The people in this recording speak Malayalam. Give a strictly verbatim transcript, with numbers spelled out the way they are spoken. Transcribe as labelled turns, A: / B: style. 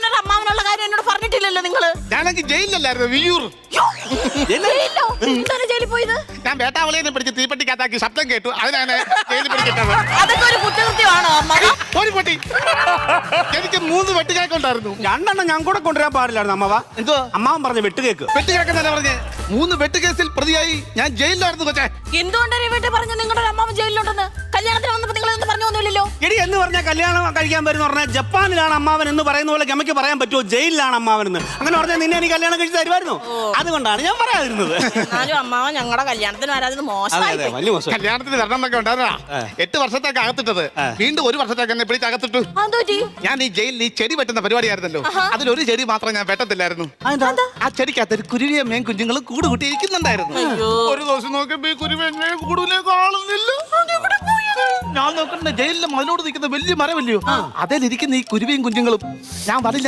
A: നിങ്ങളുടെ അമ്മാവനുള്ള കാര്യം എന്നോട് പറഞ്ഞിട്ടില്ലല്ലോ നിങ്ങള്.
B: ഞാനെങ്കിൽ ജയിലിലല്ലായിരുന്നു, വിയ്യൂർ.
A: എന്താണ് ജയിലിൽ പോയത്?
B: ഞാൻ വേട്ടാവളിയെ പിടിച്ച് തീപ്പെട്ടിക്കകത്താക്കി ശബ്ദം കേട്ടു, അതിനാണ് ജയിലിൽ പിടിച്ചിട്ടത്.
A: അതൊക്കെ ഒരു കുറ്റകൃത്യമാണോ അമ്മാവ?
B: ഒരു പൊട്ടി. എനിക്ക് മൂന്ന് വെട്ടുകേക്ക് ഉണ്ടായിരുന്നു.
C: രണ്ടെണ്ണം ഞാൻ കൂടെ കൊണ്ടുവരാൻ പാടില്ലായിരുന്നു അമ്മവ.
B: എന്തോ
C: അമ്മാവൻ പറഞ്ഞു വെട്ടുകേക്ക്.
B: വെട്ടുകേക്കെന്നല്ല പറഞ്ഞേ, മൂന്ന് വെട്ടുകേസിൽ പ്രതിയായി ഞാൻ ജയിലിലായിരുന്നു കൊച്ചേ.
A: എന്തുകൊണ്ടാണ് വീട്ടിൽ പറഞ്ഞു നിങ്ങളുടെ അമ്മാവൻ ജയിലിലുണ്ടെന്ന്? കല്യാണത്തിന് വന്നപ്പോ നിങ്ങൾ എന്ന് പറഞ്ഞു ഒന്നുമില്ലല്ലോ.
C: എടി എന്ന് പറഞ്ഞാൽ കല്യാണം കഴിക്കാൻ വരുന്ന പറഞ്ഞാൽ ജപ്പാനിലാണ് അമ്മാവൻ എന്ന് പറയുന്ന പോലെ ഗമയ്ക്ക് പറയാൻ പറ്റുമോ ജയിലിലാണ് അമ്മാവൻ എന്ന്? അങ്ങനെ പറഞ്ഞാൽ നിന്നെ എനിക്ക് കല്യാണം കഴിച്ച് തരുമായിരുന്നു. അതുകൊണ്ടാണ് ഞാൻ പറയാതിരുന്നത്.
A: എന്നാലും അമ്മാവൻ ഞങ്ങളുടെ കല്യാണത്തിന് വരാതെ മോശമായി.
C: വലിയ മോശം.
B: കല്യാണത്തിന് വരണം എന്നൊക്കെ ഉണ്ടായിരുന്നാ എട്ട് വർഷത്തേക്ക് അകത്തിട്ടത്, വീണ്ടും ഒരു വർഷത്തേക്ക് എന്നെ പിടിച്ച് അകത്തിട്ടു. ഞാൻ ഈ ജയിലിൽ ഈ ചെടി വെട്ടുന്ന പരിപാടിയായിരുന്നല്ലോ, അതിലൊരു ചെടി മാത്രം ഞാൻ വെട്ടത്തില്ലായിരുന്നു. ആ ചെടിക്കകത്ത് ഒരു കുരുവിയ മേൻ കുഞ്ഞുങ്ങളും കൂട് കൂട്ടി ഇരിക്കുന്നുണ്ടായിരുന്നു. ഒരു ദിവസം നോക്കിയപ്പോ ഈ കുരുവിയെ കൂടുതലേ കാണുന്നില്ല. ഞാൻ നോക്കണ്ട ജയിലിലെ മതിലോട് നിൽക്കുന്ന വലിയ മരമല്ലയോ, അതിലിരിക്കുന്ന ഈ കുരുവിയും കുഞ്ഞുങ്ങളും ഞാൻ വരില്ല